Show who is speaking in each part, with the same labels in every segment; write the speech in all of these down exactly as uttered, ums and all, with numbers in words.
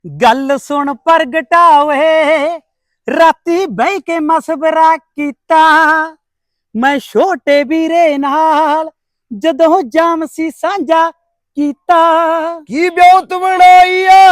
Speaker 1: गल सुन प्रगटावे राती बह के मसवरा कीता मैं छोटे वीरे नाल जदों जाम सी सांझा कीता।
Speaker 2: की ब्योत बनाई आ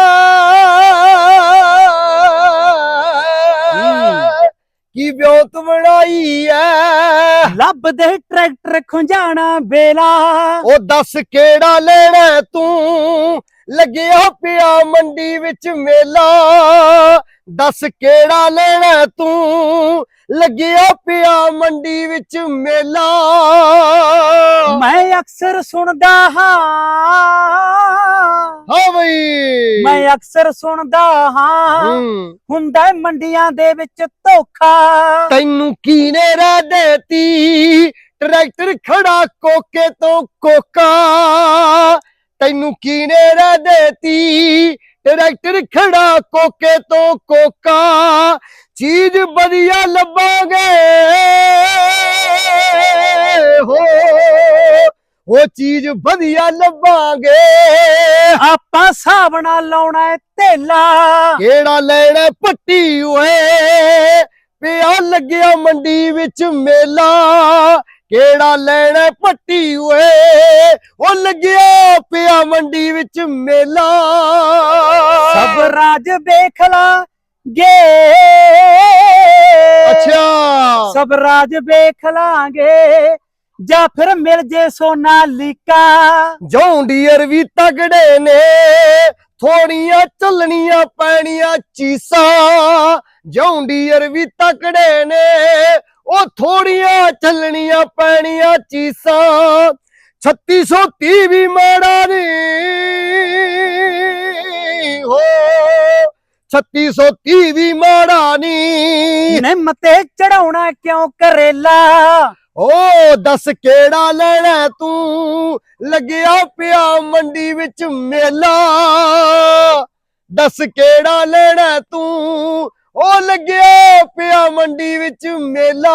Speaker 2: की ब्योत बनाई है
Speaker 1: लब दे ट्रैक्टर खुंजाना बेला
Speaker 2: ओ दस केड़ा लेना तू लग्या पिया मंडी विच मेला। दस केड़ा लेना तू लग्या पिया मंडी विच मेला।
Speaker 1: मैं अक्सर सुनदा हां
Speaker 2: हाँ बई
Speaker 1: मैं अक्सर सुनदा हां हुंदा है मंडियां दे विच धोखा।
Speaker 2: तैनू कीने रह देती ट्रैक्टर खड़ा कोके तो कोका। तैनू कीने रह देती ट्रैक्टर खड़ा कोके तो कोका। चीज बढ़िया लबांगे हो वो चीज बढ़िया लबांगे।
Speaker 1: आपां हिसाब नाल लाउणा है धेला
Speaker 2: केड़ा लेना पट्टी ओए पिया लग्या मंडी विच मेला। केड़ा लेना पट्टी ओए ओ लग्या पिया मंडी विच मेला।
Speaker 1: सब राज वेख लांगे
Speaker 2: अच्छा
Speaker 1: सब राज वेख लांगे जा फिर मिल जे सोनालिका।
Speaker 2: जॉन डियर भी तगड़े ने थोड़ियां चलनियां पैनियां चीसा। जॉन डियर भी तगड़े ने ओ थोड़ियां चलनियां पैनियां चीसा। छत्ती सौ ती भी माड़ा नहीं हो छत्ती सौ ती भी माड़ा नहीं।
Speaker 1: निम ते चढ़ाउणा क्यों करेला
Speaker 2: ओ दस केड़ा लेना तू लग्या पिया मंडी विच मेला। दस केड़ा लेना तू ओ लग्या पिया मंडी विच मेला।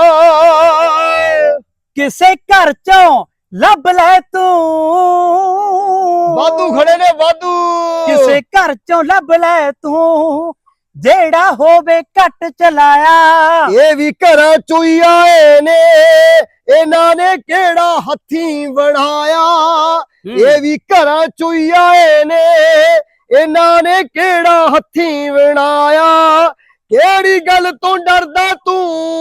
Speaker 1: किसे घर चों लभ ले तू
Speaker 2: वाधू खड़े ने वाधू
Speaker 1: किसे घर चों लभ ले तू जेड़ा होवे घट चलाया।
Speaker 2: ये भी घरां चोई आए ने इन्हां ने केड़ा हथी बनाया। ये भी घरां चोई आए ने इन्हां ने केड़ा हथी बनाया। केड़ी गल तो डरदा तू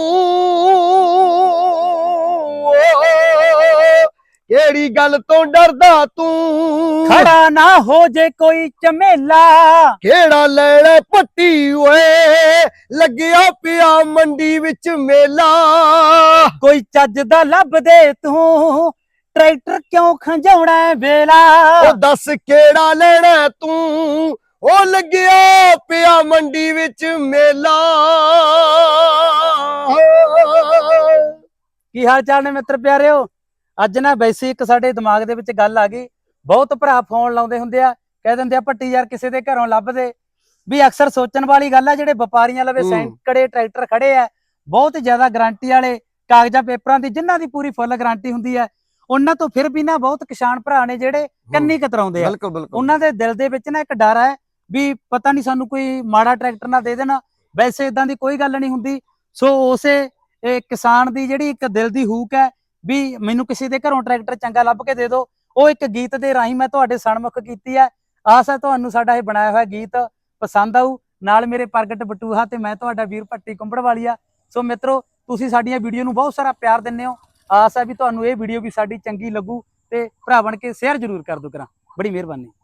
Speaker 2: केड़ी गल तो डरदा तू
Speaker 1: खड़ा ना हो जे कोई चमेला।
Speaker 2: केड़ा लेना पट्टी ओए लग्या पिया मंडी विच मेला।
Speaker 1: कोई चज दा लभ दे तू ट्रैक्टर क्यों खंजाउणा है बेला।
Speaker 2: ओ दस केड़ा लेना तू ओ लग्या पिया मंडी विच मेला।
Speaker 1: की हाल चाल ने मित्र प्यारिओ। ਅੱਜ ਨਾ ਵੈਸੇ ਇੱਕ ਸਾਡੇ ਦਿਮਾਗ ਦੇ ਵਿੱਚ ਗੱਲ ਆ ਗਈ। ਬਹੁਤ ਭਰਾ ਫੋਨ ਲਾਉਂਦੇ ਹੁੰਦੇ ਆ ਕਹਿ ਦਿੰਦੇ ਆ ਭੱਟੀ ਯਾਰ ਕਿਸੇ ਦੇ ਘਰੋਂ ਲੱਭਦੇ ਵੀ। ਅਕਸਰ ਸੋਚਣ ਵਾਲੀ ਗੱਲ ਆ ਜਿਹੜੇ ਵਪਾਰੀਆਂ ਲਵੇ ਸੈਂਕੜੇ ਟਰੈਕਟਰ ਖੜੇ ਆ ਬਹੁਤ ਜ਼ਿਆਦਾ ਗਾਰੰਟੀ ਵਾਲੇ ਕਾਗਜ਼ਾਂ ਪੇਪਰਾਂ ਦੀ ਜਿਨ੍ਹਾਂ ਦੀ ਪੂਰੀ ਫੁੱਲ ਗਾਰੰਟੀ ਹੁੰਦੀ ਹੈ ਉਹਨਾਂ ਤੋਂ ਫਿਰ ਵੀ ਨਾ ਬਹੁਤ ਕਿਸਾਨ ਭਰਾ ਨੇ ਜਿਹੜੇ ਕੰਨੀ ਕਤਰਾਉਂਦੇ ਆ। ਉਹਨਾਂ ਦੇ ਦਿਲ ਦੇ ਵਿੱਚ ਨਾ ਇੱਕ ਡਰ ਹੈ ਵੀ ਪਤਾ ਨਹੀਂ ਸਾਨੂੰ ਕੋਈ ਮਾੜਾ ਟਰੈਕਟਰ ਨਾ ਦੇ ਦੇਣਾ। ਵੈਸੇ ਇਦਾਂ ਦੀ ਕੋਈ ਗੱਲ ਨਹੀਂ ਹੁੰਦੀ। ਸੋ ਉਸੇ ਕਿਸਾਨ ਦੀ ਜਿਹੜੀ ਇੱਕ ਦਿਲ ਦੀ ਹੂਕ ਹੈ ਵੀ ਮੈਨੂੰ ਕਿਸੇ ਦੇ ਘਰੋਂ ਟਰੈਕਟਰ ਚੰਗਾ ਲੱਭ ਕੇ ਦੇ ਦਿਓ ਉਹ ਇੱਕ ਗੀਤ ਦੇ ਰਾਹੀਂ ਮੈਂ ਤੁਹਾਡੇ ਸਨਮੁਖ ਕੀਤੀ ਹੈ। ਆਸ ਹੈ ਤੁਹਾਨੂੰ ਸਾਡਾ ਇਹ ਬਣਾਇਆ ਹੋਇਆ ਗੀਤ ਪਸੰਦ ਆਊ। ਨਾਲ ਮੇਰੇ ਪ੍ਰਗਟ ਬਟੂਹਾ ਤੇ ਮੈਂ ਤੁਹਾਡਾ ਵੀਰ ਭੱਟੀ ਕੁੰਬੜਵਾਲੀਆ। ਸੋ ਮਿੱਤਰੋ ਤੁਸੀਂ ਸਾਡੀਆਂ ਵੀਡੀਓ ਨੂੰ ਬਹੁਤ ਸਾਰਾ ਪਿਆਰ ਦਿੰਦੇ ਹੋ। ਆਸ ਹੈ ਵੀ ਤੁਹਾਨੂੰ ਇਹ ਵੀਡੀਓ ਵੀ ਸਾਡੀ ਚੰਗੀ ਲੱਗੂ ਤੇ ਭਰਾ ਬਣ ਕੇ ਸ਼ੇਅਰ ਜ਼ਰੂਰ ਕਰ ਦਿਓ ਕਰਾਂ। ਬੜੀ ਮਿਹਰਬਾਨੀ।